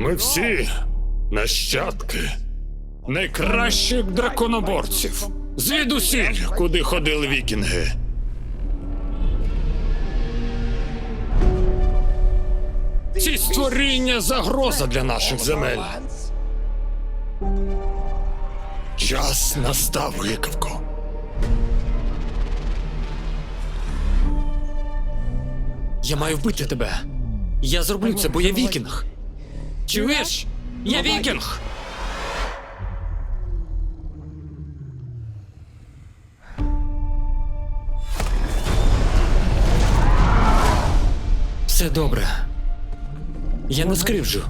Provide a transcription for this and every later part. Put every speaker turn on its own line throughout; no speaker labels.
Ми всі нащадки найкращих драконоборців. Звідусіль, куди ходили вікінги. Ці створіння – загроза для наших земель. Час настав, гикавко.
Я маю вбити тебе. Я зроблю це, бо я вікінг. Чуєш? Я вікінг! Все добре. Я не скривджу.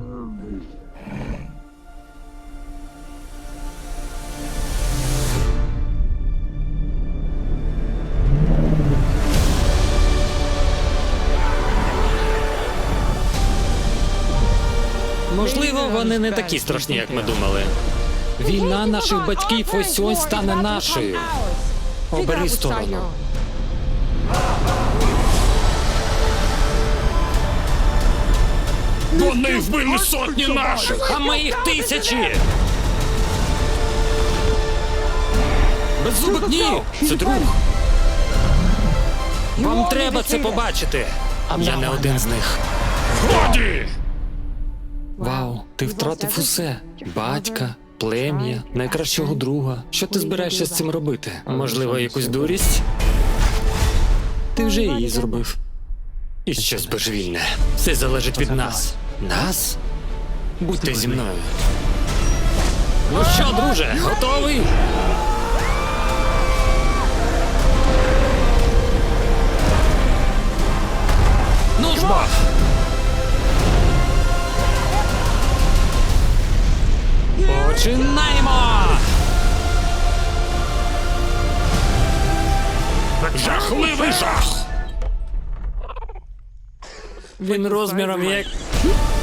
Можливо, вони не такі страшні, як ми думали. Війна наших батьків ось-ось стане нашою. Обери сторону.
Вони вбили сотні наших!
А ми їх тисячі! Беззубик, ні! Це друг! Вам треба це побачити! Я не один з них.
Годі!
Вау, ти втратив усе. Батька, плем'я, найкращого друга. Що ти збираєшся з цим робити? Можливо, якусь дурість? Ти вже її зробив. І щось божевільне. Все залежить від нас. Нас? Будьте зі мною. Ну що, друже, готовий? Ну ж бо! Починаємо!
Жахливий жах!
Він розміром як...